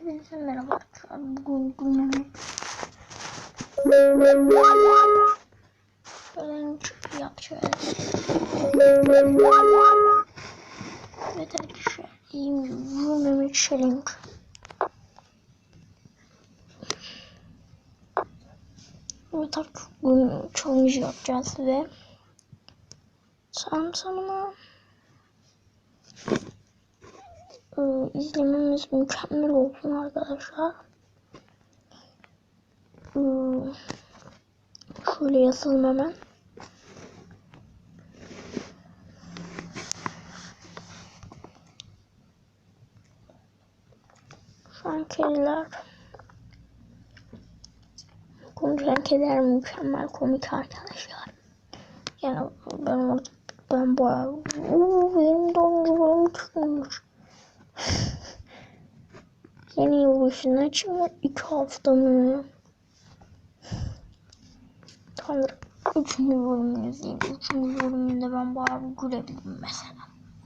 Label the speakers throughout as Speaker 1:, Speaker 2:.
Speaker 1: Hepinize merhaba arkadaşlar. Bugün günlük challenge yapacağız. Evet arkadaşlar, günlük challenge. Evet arkadaşlar, bugün challenge yapacağız ve tamına izlememiz mükemmel olsun arkadaşlar. Şöyle yazalım hemen. Şu an kediler, konuşan kediler mükemmel komik arkadaşlar. Yani ben bayağı benim dondurum çıkmış. Yeni yılbaşına için 2 hafta mı? Tanrım. 3. bölümünü izleyeyim. 3. bölümünde ben bayağı gülebildim mesela.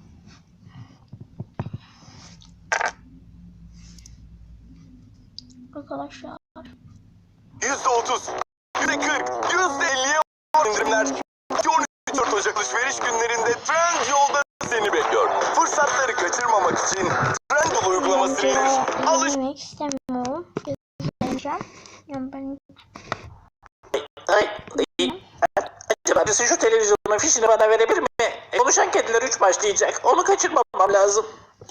Speaker 1: Arkadaşlar.
Speaker 2: %30, %40, %50'ye indirimler. 13-14 Ocak alışveriş günlerinde Trendyol'da seni bekliyor. Fırsatları kaçırmamak için Trendyol uygulamasını indir.
Speaker 1: Demek istemiyorum. Gezeceğim. Yani ben...
Speaker 3: Acaba birisi şu televizyonun fişini bana verebilir mi? Konuşan kediler 3 başlayacak. Onu kaçırmamam lazım.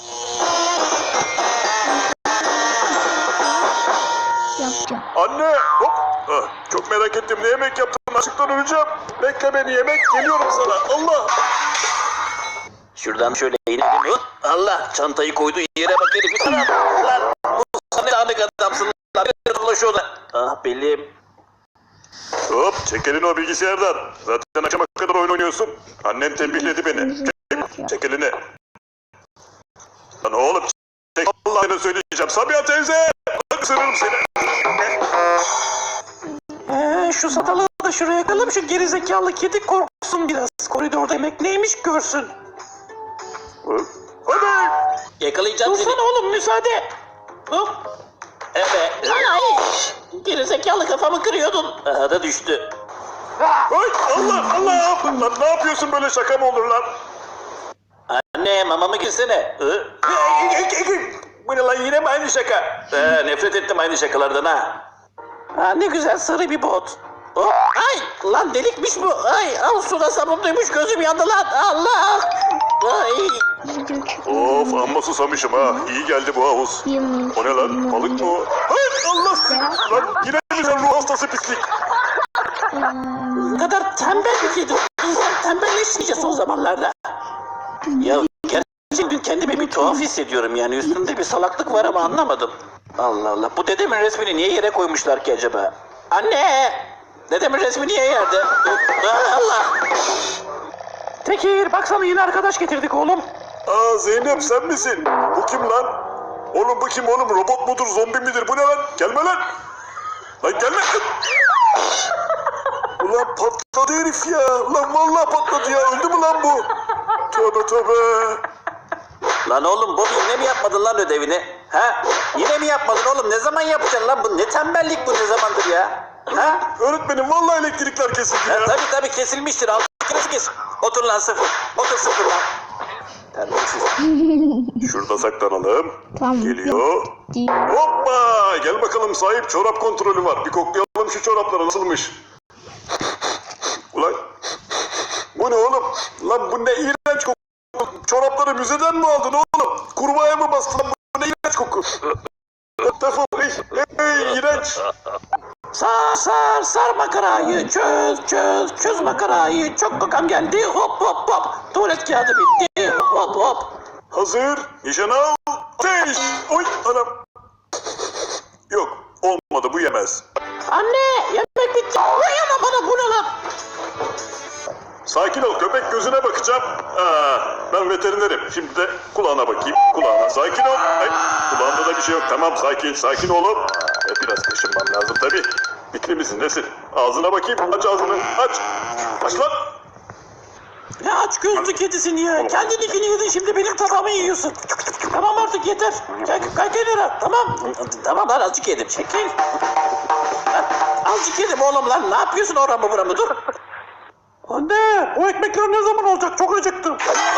Speaker 1: Yapacağım.
Speaker 4: Anne! Hop! Çok merak ettim. Ne yemek yaptın? Açıktan öleceğim. Bekle beni, yemek geliyorum sana. Allah!
Speaker 3: Şuradan şöyle inelim. Allah! Çantayı koyduğu yere bak herif. Lan! Bu sana dağınık adamsın. Lan! Bir dolaşıyor da. Ah belim.
Speaker 4: Hop! Çek elini o bilgisayardan. Zaten akşama kadar oyun oynuyorsun. Annem tembihledi beni. Çek elini. Lan oğlum çek. Allah'ını söyleyeceğim. Sabiha teyze! Bak ısırırım seni.
Speaker 3: Şu satalığı da şuraya yakalım. Şu gerizekalı kedi korksun biraz. Koridorda yemek neymiş görsün.
Speaker 4: Hadi!
Speaker 3: Yakalayacağım seni. Dursana oğlum müsaade. Hop. Evet. Ay. Gerizekalı kafamı kırıyordun. Aha da düştü.
Speaker 4: Ay Allah Allah! Lan ne yapıyorsun, böyle şaka mı olur lan?
Speaker 3: Anne mamamı girsene.
Speaker 4: Bu ne lan, yine mi aynı şaka?
Speaker 3: Nefret ettim aynı şakalardan ha. Ne güzel sarı bir bot. Oh, ay lan delikmiş bu. Ay al suda sabunluymuş, gözüm yandı lan. Allah. Ay.
Speaker 4: Of, amma susamışım ha. İyi geldi bu havuz. O ne lan? Balık mı o? Ay Allah! Lan yine mi sen ruh hastası pislik?
Speaker 3: Ne kadar tembel bir kedi. İnsan tembelleşince son zamanlarda. Ya gerçekten kendimi bir tuhaf hissediyorum yani. Üstümde bir salaklık var ama anlamadım. Allah Allah. Bu dedemin resmini niye yere koymuşlar ki acaba? Anne! Dedemin resmi niye yerde? Allah! Tekir baksana yine arkadaş getirdik oğlum.
Speaker 4: Aa Zeynep, sen misin? Bu kim lan? Oğlum bu kim oğlum? Robot mudur, zombi midir? Bu ne lan? Gelme lan! Lan gelme! Ulan patladı herif ya! Ulan vallahi patladı ya! Öldü mü lan bu? Tövbe tövbe!
Speaker 3: Lan oğlum Bobby yine mi yapmadın lan ödevini? Ha? Yine mi yapmadın oğlum? Ne zaman yapacaksın lan? Bu ne tembellik bu, ne zamandır ya? Ha?
Speaker 4: Öğretmenim vallahi elektrikler kesildi ya!
Speaker 3: Tabii kesilmiştir. Altı kes. Otur lan sıfır. Otur sıfır lan. Terbiyesiz.
Speaker 4: Şurada saklanalım.
Speaker 1: Tamam.
Speaker 4: Geliyor. Hoppa! Gel bakalım sahip, çorap kontrolü var. Bir koklayalım şu çorapları, nasılmış? Ulan bu ne oğlum? Lan bu ne iğrenç koku. Çorapları müzeden mi aldın oğlum? Kurbağaya mı bastın lan? Bu ne iğrenç koku. Defol. Ey iğrenç.
Speaker 3: Sar makarayı, çöz makarayı, çok kokam geldi, hop, tuvalet kağıdı bitti, hop.
Speaker 4: Hazır. Nişan al. Ateş. Oy anam. Yok olmadı, bu yemez.
Speaker 3: Anne, yemek bitti, uyama bana, bu ne lan?
Speaker 4: Sakin ol köpek, gözüne bakacağım. Ben veterinerim. Şimdi de kulağına bakayım. Kulağına. Sakin ol. Ay, kulağında da bir şey yok. Tamam sakin oğlum. Biraz kaşınmam lazım tabii. Bitli misin nesin? Ağzına bakayım. Aç ağzını. Aç. Aç lan.
Speaker 3: Ne aç gözlü kedisin ya. Kendininkini yedin, şimdi benim tabağımı yiyorsun. Tamam artık yeter. Kalk kenara. Tamam. Tamam lan, azıcık yedim. Çekil. Lan, azıcık yedim oğlum lan. Ne yapıyorsun oramı buramı, dur. Anne, o ekmekler ne zaman olacak? Çok acıktım.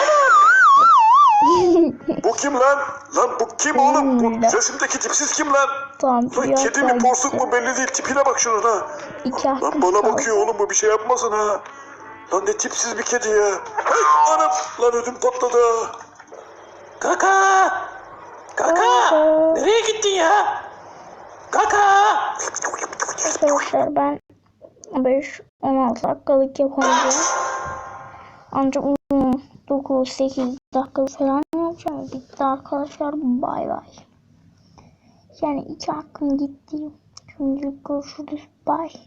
Speaker 4: Bu kim lan? Lan bu kim oğlum? Bu resimdeki tipsiz kim lan?
Speaker 1: Tamam.
Speaker 4: Lan kedi mi porsuk mu belli değil. Tipine bak şunun ha.
Speaker 1: İki
Speaker 4: Lan
Speaker 1: hakkım
Speaker 4: bana
Speaker 1: kaldı.
Speaker 4: bakıyor oğlum, bu bir şey yapmasın ha. Lan ne tipsiz bir kedi ya. Ay anam, lan ödüm patladı ha.
Speaker 3: Kaka. Kaka. Nereye gittin ya? Kaka.
Speaker 1: Arkadaşlar ben 5-16 dakikalık yapamayacağım. Ancak 9-8 dakika falan yapacağım. Bitti arkadaşlar. Bay bay. Yani 2 hakkım gitti. Şimdilik görüşürüz. Bye.